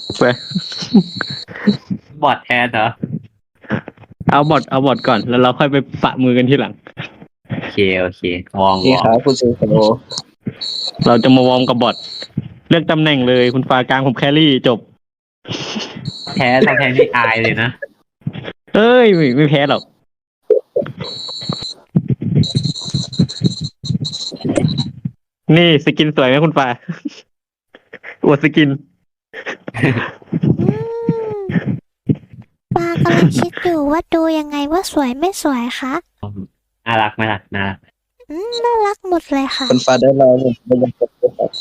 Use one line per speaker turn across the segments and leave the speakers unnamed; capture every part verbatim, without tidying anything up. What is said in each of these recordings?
ไป
บอดแทนเหรอ
เอาบอทเอาบอทก่อนแล้วเราค่อยไปปะมือกันทีหลัง
โอเคโอเควอร์ม
นี่
วอ
ค
ร์
รั
ม
บคุณซูโซ
เราจะมาวอร์มกับบอทเลือกตำแหน่งเลยคุณฟ้ากลางผมแครี่จบ
แพ้ถ้าแพ้นี่อายเลยนะ
เอ้ยไม่ไม่แพ้หรอกนี่สกินสวยไหมคุณฟ้าอวดสกิน
อืมปากำลังคิดอยู่ว่าดูยังไงว่าสวยไม่สวยคะ
น่ารักไหมล่ะน่ารัก
อืมน่ารักหมดเลยค่ะ
คุณฟ้าได้รอผมไม่ยังกดเลยครับ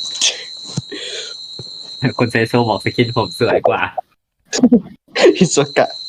คุณเซโซบอกสกินผมสวยกว่า
ฮิโซกะ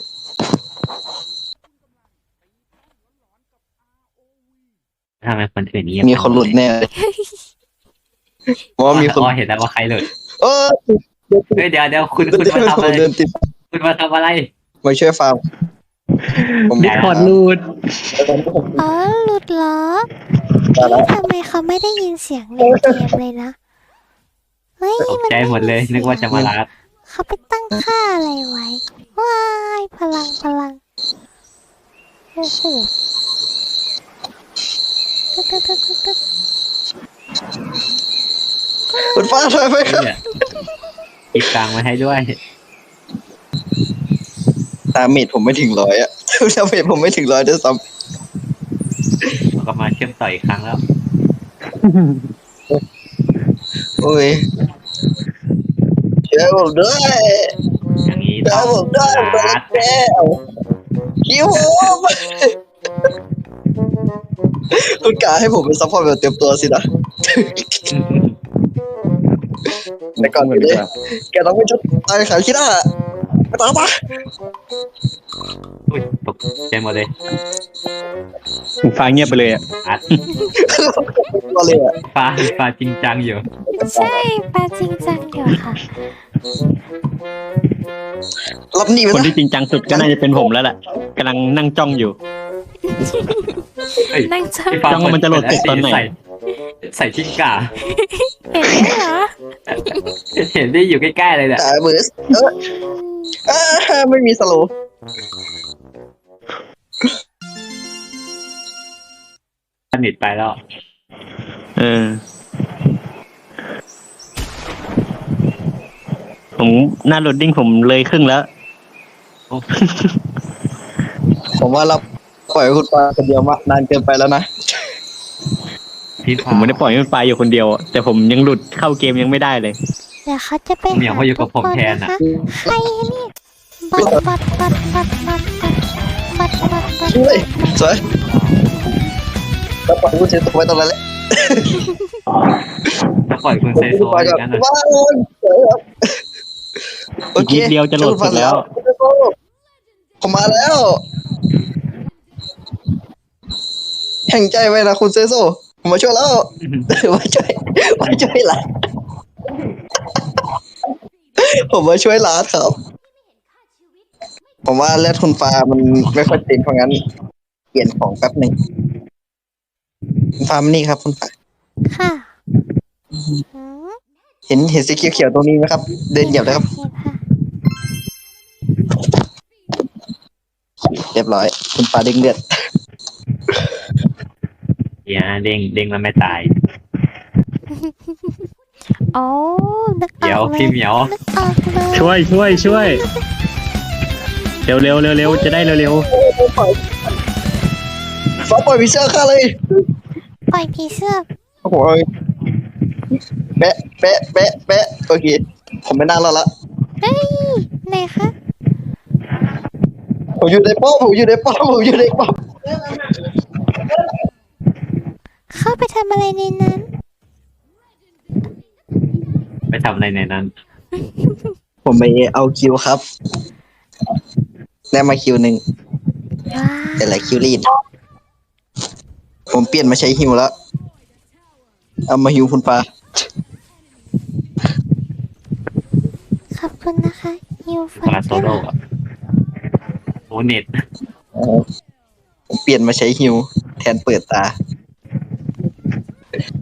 ทำไมคนอื่นเงียบ
มีคนหลุดแน่เลยเพราะว่ามีคน
อ๋อเห็นแล้วว่าใครหลุด
เออ
เฮ้ยเดี๋ยวเดี๋ยวคุณคุณมาทำอะไร
เดินติด
คุณมาทำอะไร
มาช่วยฟาร์มผม
ดิสคอร์ดรูด
อ๋อหลุดเหรอ
มาแล้ว
ทำไมเขาไม่ได้ยินเสียงในเกมเลยนะเฮ้ย
ตก
มัน
ใจหมดเลย นึกว่าจะมาลัด
เขาไปตั้งค่าอะไรไว้ว้ายพลังพลังโอ้โหตึ๊ดตึ๊ดตึ๊ดตึ๊ดตึ๊ด
คุณฟ้าช่วยไหมครับ
เนี่ยอีกกลางมาให้ด้วย
ตาเมจผมไม่ถึงร้อยอะตาเมจผมไม่ถึงร้อยด้วยซ้
เราก็มาเชื่อมต่ออีกครั้งแล้ว
ำโอ้ยช่วยผมด้วย
อย่างนี้
ช่
ต้
ว
อย ง
ผมด้วยผม
ลั
รั
ด
กแก้วคิวผมคุณกาให้ผมเป็นซัพพอร์ตแบบเตรียมตัวสินะแต่ก่อนอื่นเลยแกต้องไปชุดตายขายคิดอ่ะไปตามมา
อุ้ยตกใจหมดเลย
คุณฟ้าเงียบไปเลยอ่ะ
อัด
ก็เลยอ่ะ
ฟ้าฟ้าจริงจังอยู่
ใช่ปลาจริงจังอยู่ค่ะ
รับหนีไป
คน
ซะ
ที่จริงจังสุดก็น่าจะเป็นผมแล้วแหละกำลังนั่งจ้องอยู่
เฮ้ย
นั่งจ้อง
พี่ฟ้า
จ้องว่ามันจะโหลดเสร็จตอนไหน
ใส่ใส่ชิ้นกา
เห็นไหมเหรอ
เห็นได้อยู่ใกล้ๆเลยเนี่ย
ตายเบอร์สเออเออไม่มีสโลว์
สนิทไปแล้ว
เออ ผมหน้าโหลดดิ้งผมเลยครึ่งแล้ว
ผมว่าเราปล่อยคุณปาคนเดียวมานานเกินไปแล้วนะ
พี่
ผ
ฟ้าม
ไม่ได้ปล่อยให้มันไปอยู่คนเดียวอะแต่ผมยังหลุดเข้าเกมยังไม่ได้เลย
เดี๋ยวเขาจะไป
เหมียวเขาอยู่กับผมแทน
นะ
อ่ะ
คะใครนี่บัดบัดบัดบัดบัดบัดบัดบัดบัด
ช่วยสวยแล้วปล่อยคุณเซตไว้ตรงนั้นแหละ
แล้วปล่อยคุณเซโซ
ปล่อย
อ
ก่อน
ย่างนั้นนะ
ว้าวสวยครับโอ
อีก
เค
นิดเดียวจะโหลดเสร็จแล้ว
ผมมาแล้ว แห่งใจไว้นะคุณเซโซผมมาช่วยแล้ว มาช่วยมาช่วยหลานผมมาช่วยหลานครับ ผมว่าเลือดคุณฟ้ามันไม่ค่อยเต็มเพราะงั้น เปลี่ยนของแป๊บหนึ่งคุณฟ้ามานี่ครับคุณฟ้า
ค่ะอืม
เห็นเห็นสีเขียวๆตรงนี้ไหมครับ เดินเหยียบเลยครับ
เห็นค่ะ
เรียบร้อย คุณฟ้าเด้งเลือด
เดี๋ยวนะเด้งเด้งแล้วไม่ตาย
โอ้นึกอ
เดี๋ยว
อกเล
พี่
ย
เหมียว
นึกออกเลย
ช่วยช่วยช่วยเร็วเร็วเร็วเร็วจะได้เร็วเร็ว
ฟ้าปล่อยพิเศษข้าเลย
ปล่อยผีเสื้อ
โอ้โหแปะแปะแปะแปะโอเค ผมไม่นั่งแล้วละ
เฮ้ยไหนคะ
ผมอยู่ในป้อมผมอยู่ในป้อมผมอยู่ในป้อม
เข้าไปทำอะไรในนั้น
ไปทำอะไรในนั้น
ผมไปเอาคิวครับได้มาคิวหนึ่ง
ว้า
แต่หลายคิวรีดผมเปลี่ยนมาใช้ฮิวแล้ว เอามาฮิวคุณฟ้า
ขอบคุณนะคะฮิวฟั
ปลาโซโล่อะโอเน็ต
ผมเปลี่ยนมาใช้ฮิวแทนเปิดตา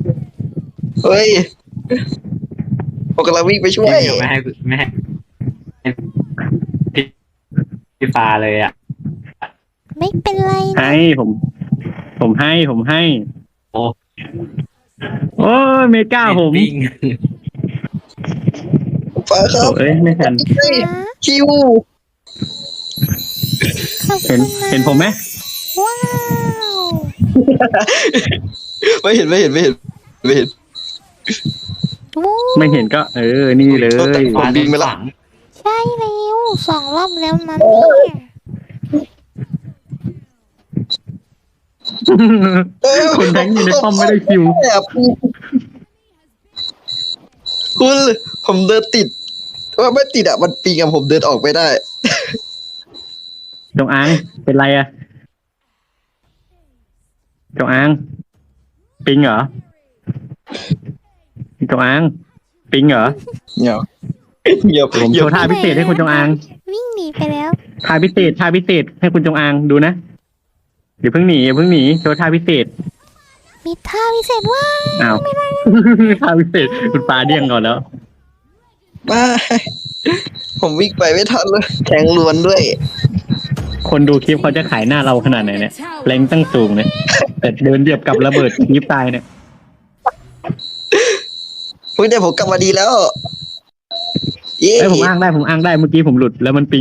เฮ้ยผมกำลังวิ่งไปช่ว
พี่
ย
เหมียวไม่ให้ไม่ให้พี่ฟ้าเลยอ่ะ
ไม่เป็นไรนะ
ให้ผม ผมให้ผมให้
โอ้
โอ้ยเมก้าผม
ปิ้ง
คุณฟ้าค
โอ้
รับ
เอ้ยไม่ทัน
เฮ้ยคิว
ขอบ
เห็น
คุณนะ
เห็นผมไหม
ว้าว
ไม่เห็นไม่เห็นไม่เห็นไม่เห็น
วู้
ไม่เห็นก็ เออ นี่เลย
ผมบินไปแล้ว
ฝัง
ใช่แล้วสองรอบแล้วนะเนี่ย
คนแทงอยู่ในป้อมไม่ได้คิว
แอบคุณผมเดินติด ว่าไม่ติดอ่ะมันปีกับผมเดินออกไม่ได้
จงอางเป็นไรอะจงอางปิงเหรอจงอางปิงเหรอ
เงียบเงียบ
ผม
เงี
โช
ยบ
ว์ท่าพิเศษให้คุณจงอาง
วิ่งหนีไปแล้ว
ท่าพิเศษท่าพิเศษให้คุณจงอางดูนะอย่าเพิ่งหนีอย่าเพิ่งหนีโชว์ท่าพิเศษ
มีท่าพิเศษว่า
อ้าว ท่าพิเศษคุณปลาเดี่ยงก่อนแล้ว
มาผมวิ่งไปไม่ทันเลยแทงล้วนด้วย
คนดูคลิปเขาจะขายหน้าเราขนาดไหนเนี่ยแรงตั้งสูงเนี่ยแต่เดินเดียบกับระเบิดคลิปตายเนี่ย
อุ้ยเดี๋ยวผมกลับมาดีแล้วเย้
ไอ้ยผมอ้างได้ผมอ้างได้เมื่อกี้ผมหลุดแล้วมันปิง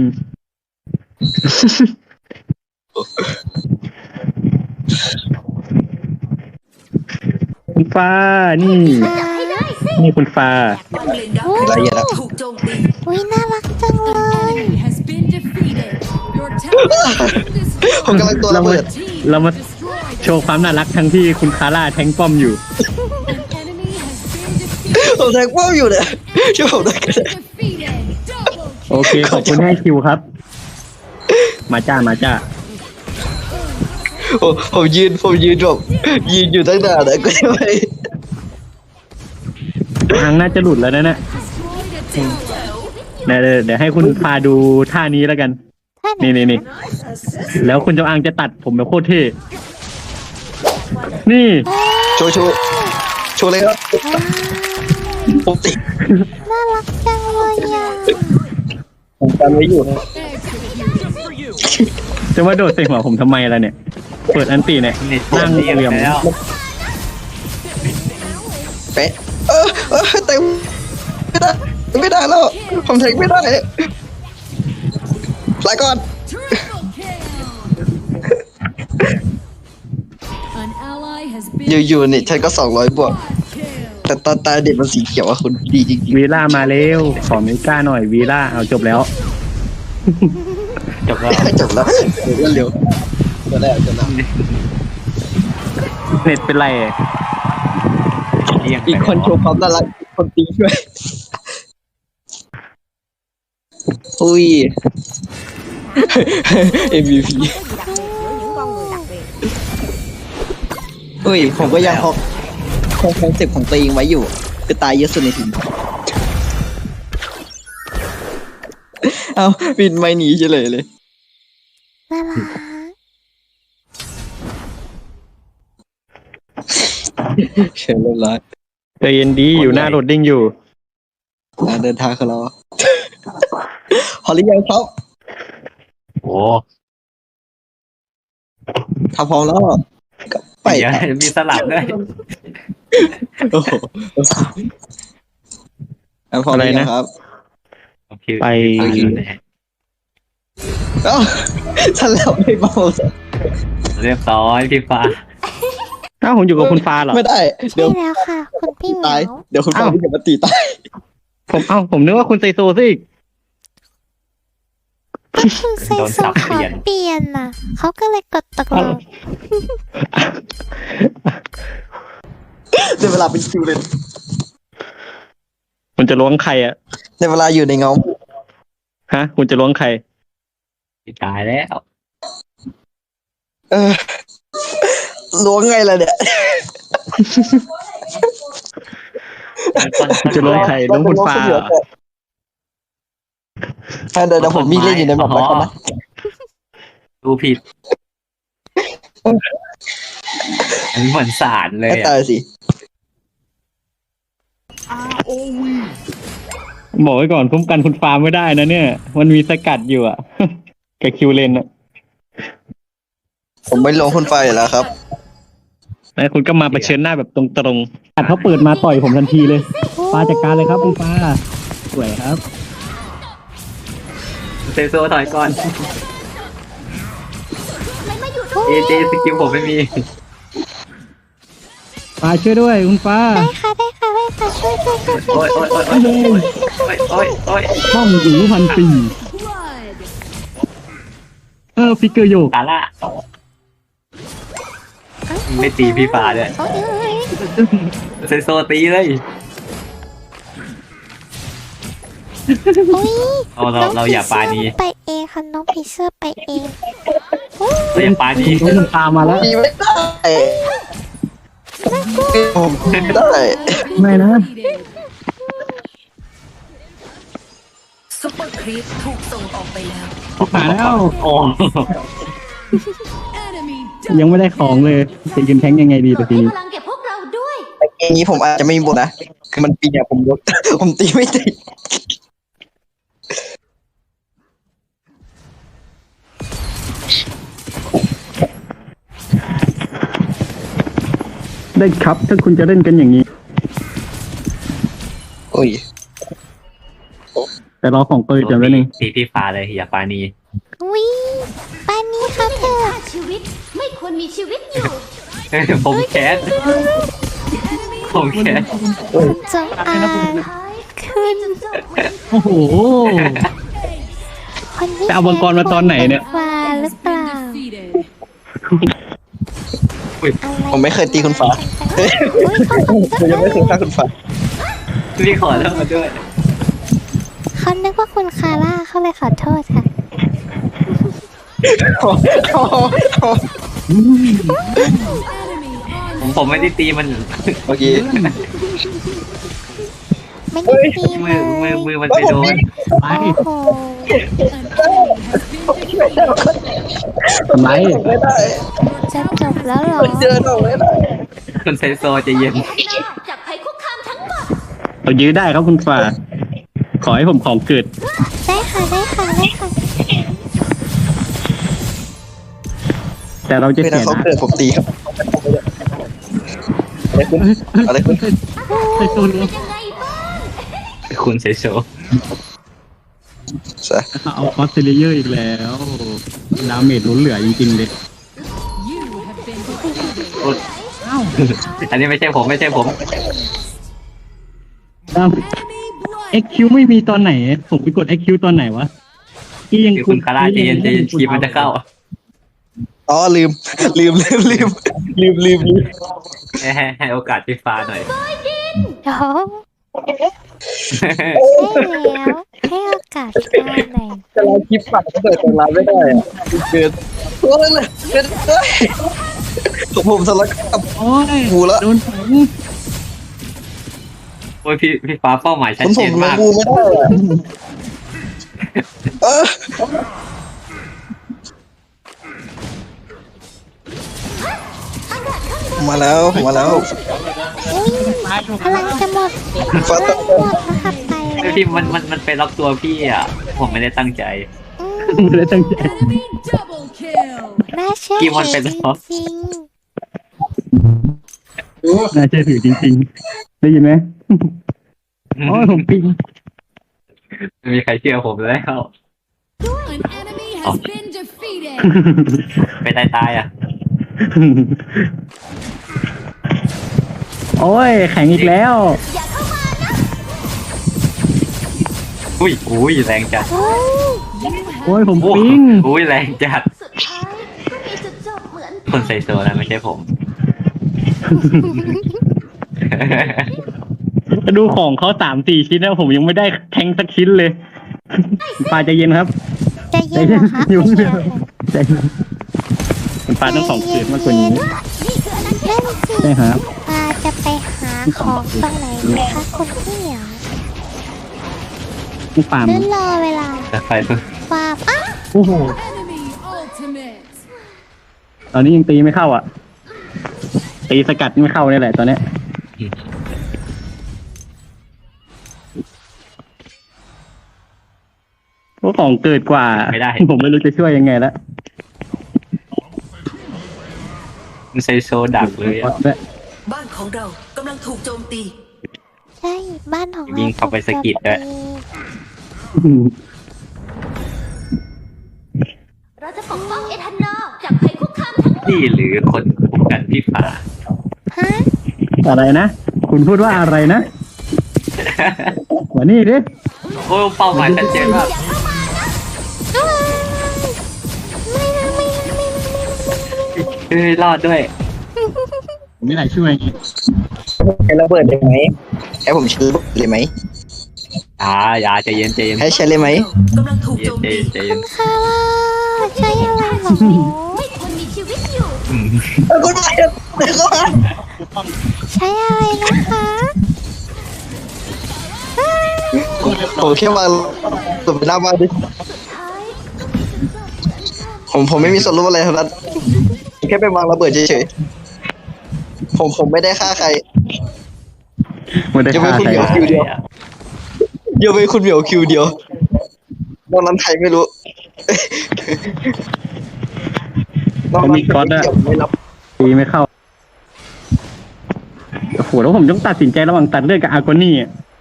คุณฟ้านี่ นี่คุณฟ้า
รายละเอียดอะ
ถูกโจมตี
อุ้ยน่ารักจังเลย
Enemy has been defeated. Your tower
ผมกำลังตัวระเบิด
เรามาโชว์ความน่ารักทั้งที่คุณคาร่าแทงป้อมอยู่
enemy has been defeated.
ผมแทงป้อมอยู่เนี่ยช่วยผมด้วยกัน
Defeated. Double
โอเค ขอบคุณให้คิวครับ มาจ้ามาจ้า
ผมผมยืนผมยืนแบบยืนอยู่ตั้งนานแล้วก็ไม่
ทางน่าจะหลุดแล้วนะเนี่ย
destroyed a tower.
เดี๋ยวเดี๋ยวเดี๋ยวให้คุณพาดูท่านี้แล้วกัน
ท่าน
นี่นี่นี่แล้วคุณจงอางจะตัดผมแบบโคตรเท่ นี่
โชว์โชว์โชว์เลยครับผมติด
น่ารักจังเลยอ่ะ
ผมกันไว้อยู่
จะมาโดดใส่หัวผมทำไมล่ะเนี่ย เปิดอันตีเนี่ย
นี่
นั่ง
เรียบ
เหลี่ยม
แล้ว
เป๊ะเออเออเต็มไม่ได้ไม่ได้แล้ว ผมแทงไม่ได้ลาก่อน
Triple kill. An ally has
อยู่ๆนี่ฉันก็สองร้อยบวก
kill.
แต่ตอนตาเด็กมันสีเขียวอะคุณดีจริง
วีล่ามาเร็ว ขอเมก้าหน่อยวีล่าเอาจบแล้ว
จบแล้ว
ๆจบแล้วเร็วเร็วจะได้จะได้
เน็ตเป็นไร
เรียง
อีกคนโชว์ความน่ารักอีกคนตีช่วยอุ้ย เอ็ม วี พี อุ้ย ผมก็ยังคงคงคอนเซ็ปต์ของตัวเองไว้อยู่ คือตายเยอะสุดในทีม เอาบินไม่หนีเฉยเลย
น่ารัก
เชิญเรียบร้อย
ใจเย็นดีอยู่หน้าโรดดิ้งอยู่
การเดินทางของเรา พอหรือยังครับ
โอ้
ถ้าพร้อมแล้วก็ไป
เดี๋ยวมีสลับด้วย
โอ้โหถ้าพร้อมหรือยังครับ
โอเค
ไป
อยู่ไหน
เอ้าฉันแล้วไม่เบา
เรียบร้อยพี่ฟ้า
อ้าวผมอยู่กับคุณฟ้าเหรอ
ไม่ได้ เดี๋
ใช่
ยว
แล้วค่ะ คุณพี่เหมี
ตาย
ยว
เดี๋ยวคุณฟัง
อ้าว
พี่จะมาตีตาย
ผมเอ้าผมนึกว่าคุณไซโซซะอีก
คุณไซโซขอเปลี่ยนน่ะ เขาก็เลยกดตกลง
ในเวลาเป็นคิวเลย
คุณจะล้วงใครอะ
ในเวลาอยู่ในเงา
ฮะ คุณจะล้วงใคร
ตายแล้ว
เออล้วงไงล่ะเนี่ย
จะล้วงใครล้วงคุณฟ้าเหรอ
อ่ะเดี๋ยวเดี๋ยวผมมีเล่นอยู่ในแบบแล้วกันนะ
ดูผิด อันนี้เหมือนสารเลย
ให้
อ่ะ
ตายสิ
บอกไว้ก่อนคุ้มกันคุณฟ้าไม่ได้นะเนี่ย มันมีสกัดอยู่อะแกคิวเลนอะ
ผมไม่ลงคุณฟ้าอยู่แล้วครับ
แล้วคุณก็มาเผชิญหน้าแบบตรงๆอัดเขาเปิดมาต่อยผมทันทีเลยฟ้าจัดการเลยครับคุณฟ้าสวยครับ
เซโซถอยก่อนเอเจสกิลผมไม่มี
ฟ้าช่วยด้วยคุณฟ้า
ได้ค่ะได้ค่ะได้ค่ะช่วยช่วยช่วยช่วย
โอ้ย
ช่วย
โอ้ยโอ้ยโอ้ยโอ้ยโอ้ยโอ้ย
ห้องหูพันปี
Blood.
เออฟิกเกอร์โยก
กาล่าไม่ตีพี่ฟ้าเลย
โอ้ยเอ้ย
เซโซตีเลย
โอ้ย
เอาเราเราอย่าปานี
ไปเองค่ะน้องผีเสื้อไปเองโอ้ย
เราอย่าปานี
โดนตามมาแล้ว
ตีไม่ได้ผมตีไม่ได้
ไม่นะ
ซุปเปอร์ครีปถูกส่งออกไปแล้ว
มาแล้ว
โอ้
Enemy
ยังไม่ได้ของเลยจะยืนแทงยังไงดีตัวทีนี้
พลังเก็บพวกเราด้วย
แต่เกมนี้ผมอาจจะไม่มีบทนะ คือมันปีเนี่ยผมยก ผมตีไม่ติด
ได้ครับถ้าคุณจะเล่นกันอย่างนี้
โอ้ย
แต่รอของเปิดจำไว้หนึ่ง
ตีพี่ฟ้าเลยอย่าปานี
อุ้ยปานนี้ครับเธอ
ชีวิตไม่ควรมีชีวิตอยู่
ผมแคสผมแคส
จงอางขึ้น
โอ้โห
คนที่
ไปเอามังกรมาตอนไหนเนี่ย
ฟ้าหรือเปล่า
defeated
ผมไม่เคยตีคุณฟ้า
อุ้ยเขาขอ
ผมยังไม่เคยฆ่าคุณฟ้า
พี่ขอเลิกมาด้วย
เขานึกว่าคุณคาร่าเขาเลยขอโทษค่ะ
ผมผมไม่ได้ตีมัน
เมื่อกี้
ไม่ได้ตี
มื
เล
อมือย มือมันไปโดน
ไป
โอ้โห
ทำไร
ไม่ได้
จะจบแล้วเหรอ
เดินออกไม่ได้
คุณเซโซใจะเย็น
จากภัยคุกคามทั้งหมด
เรายื้อได้ครับคุณฟ้า ขอให้ผมของเกิด
ได้ค่ะได้ค่ะได้ค่ะ
แต่เราจะ
เว
เสี
ลาย เขา
นะ
เกิดผมตีครับอะไรขึ้นอะไรขึ้น
ใส่ตัวนี้
ยังไงบ้าง
คุณเซโซ
ซะ
เอาคอสเซเลเยอร์อีกแล้ว ดาเมจล้นเหลือจริงๆเลย
You have been defeated
อันนี้ไม่ใช่ผมไม่ใช่ผม
ดา
Enemy blood
เอ็กคิวไม่มีตอนไหน ผมไปกด เอ็กคิว ตอนไหนวะที่ยัง
คือคุณคาร่าใจเย็นใจเย็นคีบมันจะเข้า
อ๋อลืม ลืมลืมลืมลืมลืมลืม
ให้ให้ให้โอกาสพี่ฟ้าหน่อย
เดี๋ยวให้แล้วให้โอกาสฟ้าหน่อย
จะไลฟ์คลิปฝังก็เปิดตรงร้านไม่ได้อะเกิดโอ้ยเกิดเอ้ยผมผมสลักกับ
โอ้ย
งูละ
โดนฝัง
โอ้ยพี่พี่ฟ้าเป้าหมายชัด
ผม
เจ
ผม
น
ลง
มาก
งูไม่ได้อะเออ ผมมาแล้วผมมาแล้ว
อุ้ยพลังจะหมด
ฟ้า
พ
ต้
ลั
อง
งหมดนะคะไปแล้ว
พี่มันมันมันไปล็อกตัวพี่อ่ะ ผมไม่ได้ตั้งใจ
อืม
ไม่ได้ตั้งใจ
Enemy double kill
น่าเชื่อ
กี่วัน
ถื
เป็
อน จ
แล้ว
ริง
น่าเชื่อถือจริงๆ ได้ยินไหมโอ้ยผมปิง
ไม่มีใครเชื่อผมแล้ว
An enemy has been defeated
ไปตายตายอ่ะ
โอ้ย แข็งอีกแล้ว
อุ้ยอุ้ยแรงจัด
ๆโอ้ย
โอ้ย ผม
โอ้
ปิง
อุ้ยแรงจัด
สุดท้ายก็มีจุดจบเหมือน
คนใส่โซนะไม่ใช่ผม
ดูของเขาสามสี่ชิ้นแล้วผมยังไม่ได้แทงสักชิ้นเลยปลาใจเย็นครับ
ใจเย็นเหรอคะ
อยู่
ไม่
เดี
เชื่
ยว
อ
ใจเย็นคุณปลาต้องของเกิดมากกว่านี้
นั่นสิ
ใช่ครับ
ปาจะไปหาของตรงไหนดีคะคุณพี่เหรอ
คุณปลา
หรือรอเวลา
แต่ไฟ
ฟาบอ้าว
โอ้โห
enemy ultimate
ตอนนี้ยังตีไม่เข้าอ่ะ ตีสกัดไม่เข้านี่แหละตอนเนี้ยโว่าของเกิดกว่า
ไม่ได้
ผมไม่รู้จะช่วยยังไงแล้ว
มันไซโซดักเลยอะ
บ้านของเรากำลังถูกโจมตี
ใช่บ้านของเรา
วิ่งเข้าไปสะกิดด้วย
เราจะปกป้องเอทันนอลจากภัยคุกคามทั้งหมด
นี่หรือคนคุมกันพี่ฟ้า
ฮะ
อะไรนะ คุณพูดว่าอะไรนะมานี่ดิ
โอ้เป้าหมายชัดเจนมาก
ไม่นะไม่นะไม่นะไม่นะไม่นะ
เฮ้ยรอดด้วย
ผมไม่ไหนช่วย
ใช้ระเบิดได้ไหมให้ผมใช้ระเบิดเลยไหม
อ่าอย่าใจเย็นใจเย็น
ให้ใช้เลยไหม
กำลังถูก
ใจ
โจม
เย็น
ตี
ใจเย็น
คาร่าใช่อะไรเหรอ
ไม่ควรมีชีวิตอยู่
อืม
เอาคุณไปเดี๋ยวก่อน
ใช่อะไรนะคะ
ผมแค่มาตัวไปหน้าบ้านดิผมผมไม่มีส่วนร่วมอะไรทั้งนั้นแค่ไปวางระเบิดเฉยๆผมผมไม่ได้ฆ่าใคร
ไม่ได้
จะไม่
ฆ่า
คุณ
ใคร
เหมียวคิวเดียวเดี๋ยวไปคุณเหมียวคิวเดียวนอกนั้นใครไม่รู้นอกนั้น
มีก๊อตอะ
ไม่รับ
ตีไม่เข้าโอ้โหแล้วผมต้องตัดสินใจระหว่างตัดเลือดกับอาร์โกนี่อะ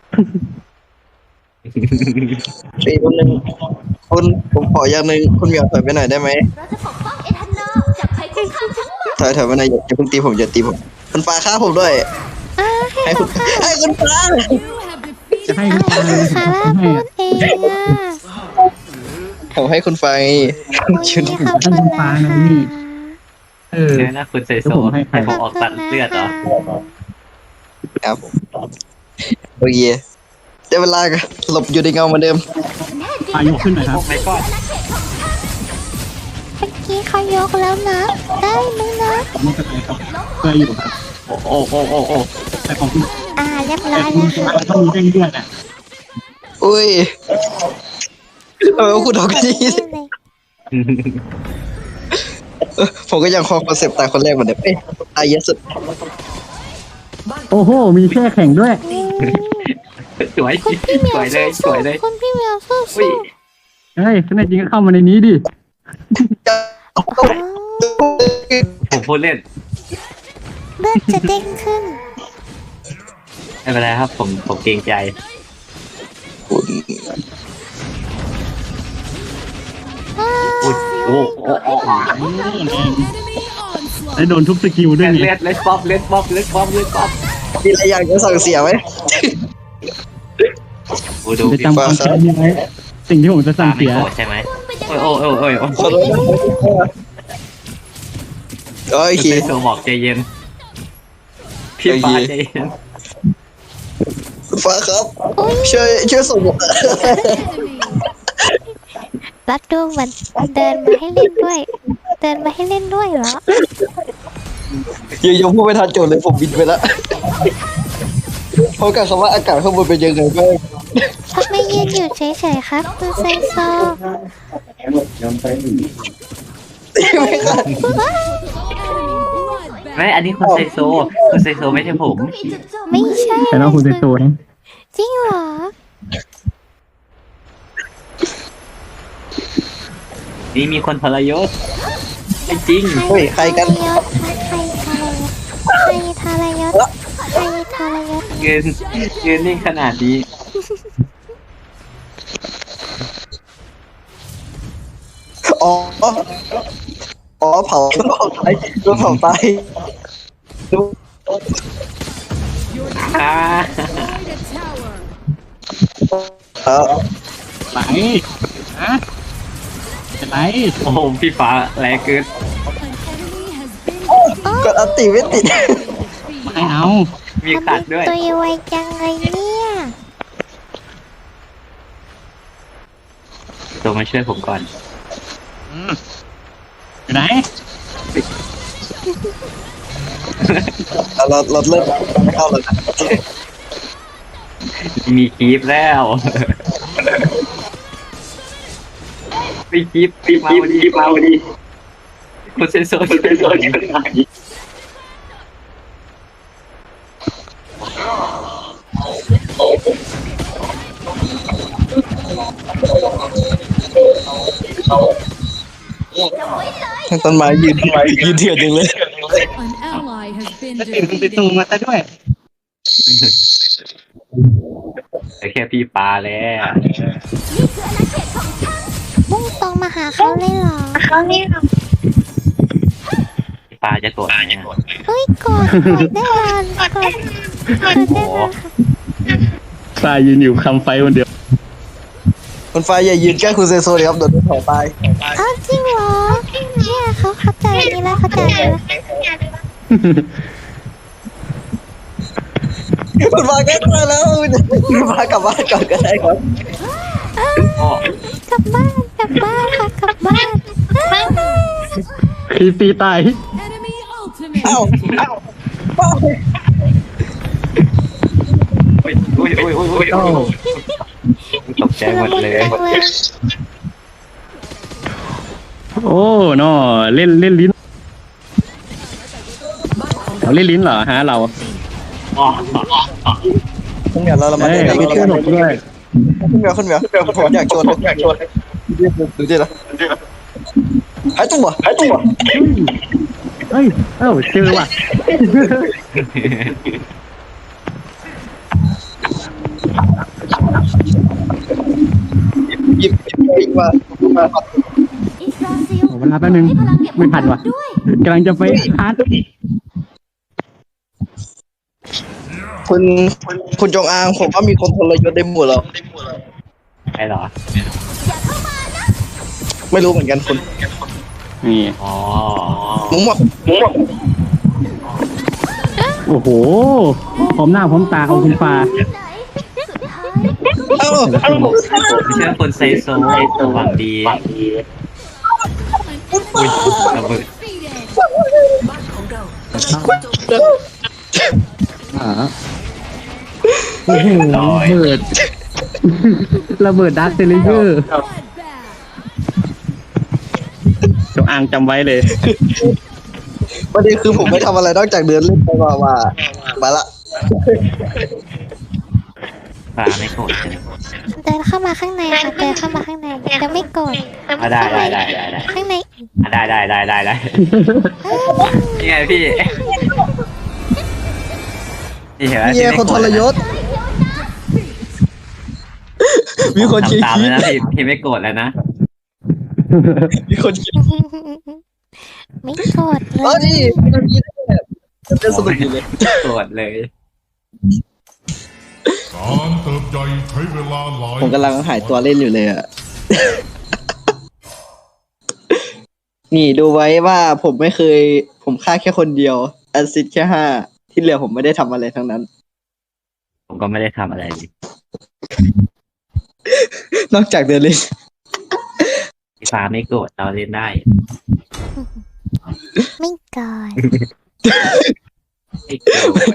ปีคนหนึ่งคุณผมขออย่างหนึ่งคุณเหมียวถอยไปหน่อยได้ไหม
เราจะปกป้องเอทันนอลจากภัยคุกคามทั้งหมด
ถอยถอยไปหน่อยอย่าอย่าเพิ่งตีผมอย่าตีผมคุณฟ้าฆ่าผมด้วย
อ่าให้
ให้
เรา
คุณ
ค่ะ
ให้คุณฟ้า
You have defeated
จะให้คุณ
อ่า
ตา
คาร่าพูดเองอ่ะ
ผมให้คุณฟ้าไง
โอ้ยขอบคุณนะคะ
เออ
เนี่ยนะคุณไซโซ
แล้วผมให้ใคร
ให้ผมออกตัดเลือดเหรอ
ครับโอเคได้เวลาหลบอยู่ในเงาเหมือนเดิม
ปายกขึ้นหน่อยครับ
โอ้ไม่ก็
เมื่อกี้เขายกแล้วนะ ได้ไหมนะ
ไม่เป็นไรครับเคยอยู่ครับ
โอ้โอ้โอ้โอ้
แต่ของคุณ
อ่าเรียบร้
แต่
อย
คุ
แล้
ณ
วค่ะ
มันต้องมีเร่งเลือดอ่ะ
อุ้ยทำไมว่าคุณทำกันอย่างนี้
ได้เลย
เออผมก็ยังคอคอนเซปต์ตายคนแรกเหมือนเดิมเอ้ยตายเยอะสุด
บ้าน
โอ้โห มีแช่แข็งด้วย
อืม
สวย
คุณพี่เหมี
ส
ยว
วยเลยส
สู้
วยเลย
ๆคุณพี่เหมียวสู้
อุ้ย
ๆ
เฮ้ยแน่จริงก็เข้ามาในนี้ดิ
อ๋อ
ผมพูดเล่น
เลือดจะเด้งขึ้น
ไม่เป็นไรครับ ผมผมเกรงใจ
อ้า
อุ้ยโอ้โอ้โอ้
enemy onslaught.
แล้วโดนทุบสกิลด้วย
เลื
ไง
อดเลือดป๊อปเลือดป๊อปเลือดป๊อปเลือดป๊อป
มีอะไรอยากจะสั่งเสียไหม
โอ้ดู
จะ
พี่
จำความแค้นนี้ไว้สิ่งที่ผมจะสั่
ฟ้าง ไม่
เสีย
โกรธใช่ไหมโอ้ยโอ้ยโอ้ยโอ้ยโอ้ย
ขอโทษนะโอ
คุณ
เค
ไซโซบอกใจเย็นพี่ฟ้าใจเย็น
คุณฟ้าครับ ช่วยช่วยส่งผม
รัดดูเหมือนเดินมาให้เล่นด้วย เดินมาให้เล่นด้วยเหรอ
ยังยังพูดไม่ทันโจทย์เลยผมบินไปแล้วเพราะกับคำว่าอากาศข้างบนเป็นยังไงบ้าง
ทำไมยืนอยู่เฉยๆครับคุณไซโซ
ไม่ค่ะ
ไม่อันนี้คุณไซโซคุณไซโซไม่ใช่ผม
ก็มีจุดโจม
ไม่ใช่
แต่น้องคุณเป็นตัวนะ
จริงเหรอ
นี่มีคนทรยศไม่จริง
เฮ้ยใครกัน
ทรยศใครทรยศใครทรยศใครทรยศ
เงินเงินนี่ขนาดนี้
อ๋อ อ๋อเผาโดนเผาตายโดนเผาตาย
อ่า
เออ
ไหนฮะจะไหน
โอ้โหพี่ฟ้าแรงเกิน
กดอัตติไม่ติด
ไม่เอา
มีขัดด้วย
ตัวไวจังเลยเนี่ย
ตัวมาช่วยผมก่อน
อยู่ไหน
เราเราเราเริ่มไม่เข้าแล้วนะ
มีคีฟแล้วมีคีฟคีฟมาพอดีคีฟมาพอดีคุณเซนโซคุณเซนโซนี่เป็นไง
ทั้งต้นไม้ยืนยืนเถื่อนจริงเลย
An ally has been
ตื่นคุณไปตู
defeated.
มาซะด้วย
แต่แค่พี่ปลาแล้ว
มุ่งตรงมาหาเขาเลยเหรอเขาเลยเหรอ
พี่ปลาจะโกรธไหมเนี่ย
เฮ้ยกดกดได้เลยกดกดได้เลยค่ะ
ปลายืนอยู่คำไฟคนเดียว
คุณฟ้าอย่ายืนใกล้คุณเซโซเลยครับโดนเผาตาย
อ้าวจริงเหรอเนี่ยเขาเข้าใจนี้แล้วเข้าใจนี้แล้ว
คุณฟ้าแก้ตายแล้วคุณฟ้ากลับบ้านก่อนก็ได้ครับ
พ่อก
ลับบ้านกลับบ้านค่ะกลับบ้าน
คีปีตาย
Enemy ultimate.
เอ้าเอ้า
อุ้ยอุ้ยอุ้ยอุ้ยอุ้ยตกใจหมดเลย
จังเลย
โอ้นอเล่นเล่นลิ้นเราเล่นลิ้นเหรอฮะเรา
อ๋อ
คุณเหมียวเราเรามา
เอ้ย
เล่นกัน
ไม่
เรา
ช่วยหลบด้วย
คุณเหมียวคุณเหมียวผมอยากชวนผมอยากชวนดูดิละหายตัวหายตัว
เฮ้ยเอ้าเจอว่ะ
หยิบหยิบปิงมามา
อิสราซิล
เวลาแป๊บนึง
ให้พลังเก็บ
ไม่ทันว่ะ
ด้วย
กำลังจะไปฮาร์ด
คุณคุณจงอางผมว่ามีคนทรยศได้หมดแล้ว
ไอ้เหรอ
ไม่รู้เหมือนกันคุณ
นี่
อ๋อ
มุ้งหมดมุ้งหมด
โอ้โหพร้อมหน้าพร้อมตาของคุณฟ้า
ไหนสุดท้าย
เอ้าเอ้า
ผมไม่ใช่คนไซโซหวังดีอุ้ยระเบิด
Defeated.
บ้านของเรา
อ่าโอ้โหระเบิด ระเบิดดักเซเลเยอร์
Bloodbath.
จงอางจำไว้เลย
ประเด็นคือผมไม่ทำอะไรนอกจากเดินเล่นไปมามามาละ
ปลาไม่โกรธใช่ไหม
เดินเข้ามาข้างในค่ะเดินเข้ามาข้างในจะไม่โกรธ
อ่ะได้ได้ได้ได้ได้
ข้างใน
อ่ะได้ได้ได้ได้ได้นี่ไงพี่นี่เห็นไหม
เมียคนทรยศ มีคนชี้
ทำตาม
ชี้
แล้วนะพี่พี่ไม่โกรธแล้วนะ
มีคนชี้
ไม่โกรธเล
อ๋อย นี่มีคนชี้ได้จะเป็นสนุกดีเลย
โกรธเลย
การเติบใหญ่ใช้เวลาหลาย
ผมกำลังหายตัวเล่นอยู่เลยอ่ะ นี่ดูไว้ว่าผมไม่เคย ผมฆ่าแค่คนเดียวแอซิดแค่ห้าที่เหลือผมไม่ได้ทำอะไรทั้งนั้น
ผมก็ไม่ได้ทำอะไรเลย
นอกจากเดินเล่น
พี่ฟ้าไม่โกรธเราเล่นได้
ไม่โกรธ
ไม่โกรธ